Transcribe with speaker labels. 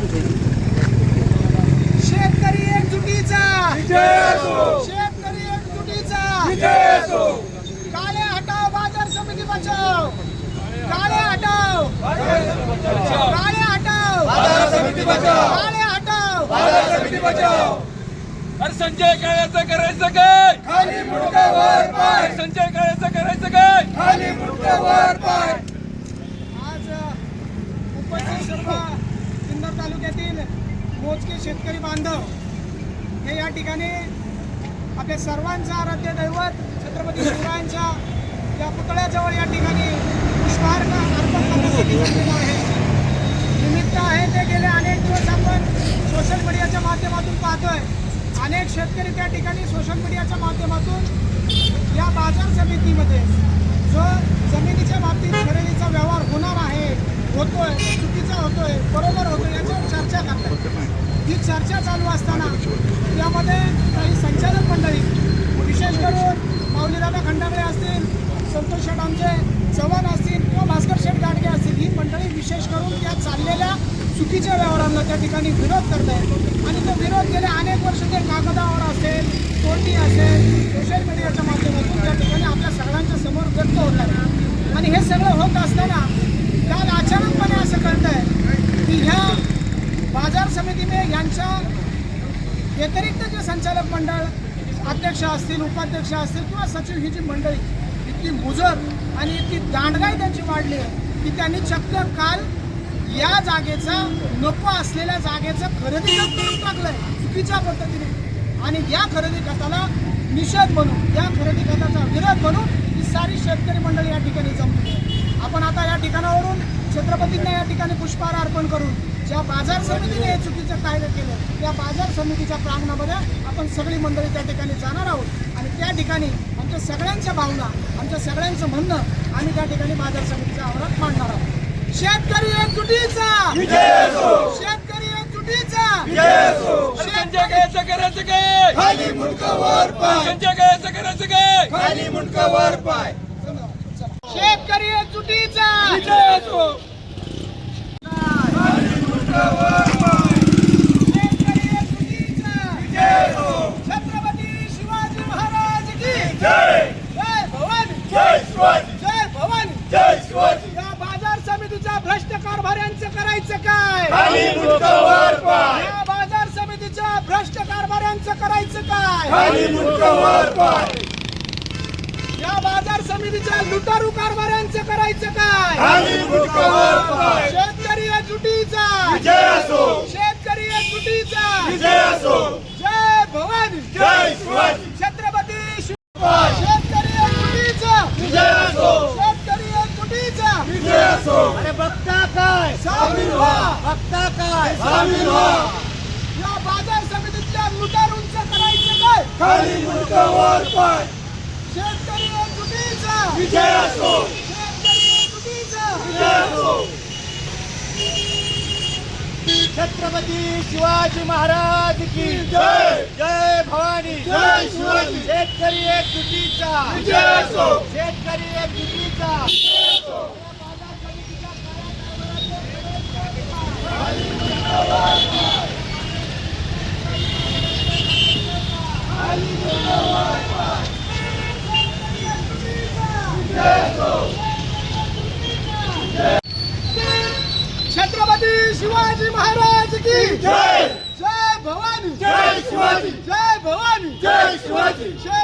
Speaker 1: शेतकरी एकजुटीचा शेतकरी एकजुटीचा काळे हटाव बाजार समिती बचाव काळे हटाव काळे हटाव
Speaker 2: बाजार समिती बचाव
Speaker 1: काळे हटाव
Speaker 2: बाजार समिती बचाव
Speaker 3: अरे संजय काळ्याचं करायचं काय
Speaker 2: खाली मुंडका वर पाय
Speaker 3: संजय काळ्याचं करायचं काय
Speaker 2: खाली मुंडका वर पाय
Speaker 1: आज उपस्थित सर्व सिन्नर तालुक्यातील मोजके शेतकरी बांधव हे या ठिकाणी आपल्या सर्वांचं आराध्य दैवत छत्रपती शिवरायांच्या या पुतळ्याजवळ या ठिकाणी पुष्पहार अर्पण करण्यासाठी जमलेलो आहे. निमित्त आहे ते गेले अनेक दिवस आपण सोशल मीडियाच्या माध्यमातून पाहतोय. अनेक शेतकरी त्या ठिकाणी सोशल मीडियाच्या माध्यमातून या बाजार समितीमध्ये जो जमिनीच्या बाबतीत खरेदीचा व्यवहार होणार आहे, होतोय, चुकीचा होतोय, बरोबर होतोय याच्यावर चर्चा करतात. ही चर्चा चालू असताना यामध्ये काही संचालक मंडळी, विशेष करून माऊलीदादा खंडागळे असतील, संतोष शेठ आमचे चव्हाण असतील किंवा भास्कर शेठ गाडगे असतील, ही मंडळी विशेष करून त्या चाललेल्या चुकीच्या व्यवहारांना त्या ठिकाणी विरोध करत आहेत. आणि तो विरोध गेले अनेक वर्ष ते कागदावर असेल, तोंडी असेल, सोशल मीडियाच्या माध्यमातून त्या ठिकाणी आपल्या सगळ्यांच्या समोर व्यक्त होत आहे. आणि हे सगळं होत असताना काल अचानकपणे असं कळत आहे की ह्या बाजार समितीने यांच्या व्यतिरिक्त जे संचालक मंडळ अध्यक्ष असतील, उपाध्यक्ष असतील किंवा सचिव ही जी मंडळी इतकी मुजर आणि इतकी दांडगाई त्यांची वाढली आहे की त्यांनी चक्क काल या जागेचा नको असलेल्या जागेचं खरेदी खत करून टाकलंय चुकीच्या पद्धतीने. आणि या खरेदी खताला निषेध म्हणून, या खरेदी खताचा विरोध म्हणून ही सारी शेतकरी मंडळी या ठिकाणी जमली आहे. आपण आता या ठिकाणावरून छत्रपतींना या ठिकाणी पुष्पहार अर्पण करून ज्या बाजार समितीने हे चुकीचं कायदे केलं त्या बाजार समितीच्या प्रांगणामध्ये आपण सगळी मंडळी त्या ठिकाणी जाणार आहोत. आणि त्या ठिकाणी आमच्या सगळ्यांच्या भावना, आमच्या सगळ्यांचं म्हणणं आम्ही त्या ठिकाणी बाजार समितीच्या आवारात मांडणार आहोत. शेतकरी एकजुटीचा शेतकरी एकजुटीचा
Speaker 3: संजय काळ्याचं करायचं काय
Speaker 2: खाली मुंडका वर पाय
Speaker 3: संजय काळ्याचं करायचं काय
Speaker 2: खाली मुंडका वर पाय
Speaker 1: शेतकरी एकजुटीचा
Speaker 2: खाली मुंडका वर पाय
Speaker 1: शेतकरी एकजुटीचा छत्रपती शिवाजी महाराज की
Speaker 2: जय
Speaker 1: जय भवानी
Speaker 2: जय शिवाजी
Speaker 1: जय भवानी
Speaker 2: जय शिवाजी
Speaker 1: या बाजार समितीच्या भ्रष्ट कारभाऱ्यांचं करायचं काय
Speaker 2: खाली मुंडका वर पाय
Speaker 1: या बाजार समितीच्या भ्रष्ट कारभाऱ्यांचं करायचं काय
Speaker 2: खाली मुंडका वर पाय
Speaker 1: या बाजार समितीच्या लुटारू कारभाऱ्यांचं करायचं काय
Speaker 2: खाली मुंडका वर पाय
Speaker 1: शेतकरी एकजुटीचा
Speaker 2: विजय असो
Speaker 1: शेतकरी एकजुटीचा
Speaker 2: विजय असो
Speaker 1: जय भवानी
Speaker 2: जय शिवाजी
Speaker 1: छत्रपती
Speaker 2: पाय
Speaker 1: शेतकरी एकजुटीचा
Speaker 2: विजय असो
Speaker 1: शेतकरी एकजुटीचा
Speaker 2: विजय असो
Speaker 1: अरे बघता काय
Speaker 2: सामील व्हा
Speaker 1: बघता काय
Speaker 2: सामील व्हा
Speaker 1: या बाजार समितीतल्या लुटारूंचं करायचं काय
Speaker 2: खाली मुंडका वर पाय
Speaker 1: शेतकरी एकजुटीचा
Speaker 2: विजय असो
Speaker 1: शेतकरी एकजुटीचा
Speaker 2: विजय असो
Speaker 1: छत्रपती शिवाजी महाराज की
Speaker 2: जय
Speaker 1: जय भवानी
Speaker 2: जय शिवाजी
Speaker 1: शेतकरी एकजुटीचा
Speaker 2: विजय असो
Speaker 1: शेतकरी एकजुटीचा छत्रपती शिवाजी महाराज की
Speaker 2: जय
Speaker 1: जय भवानी
Speaker 2: जय शिवाजी
Speaker 1: जय भवानी
Speaker 2: जय शिवाजी
Speaker 1: जय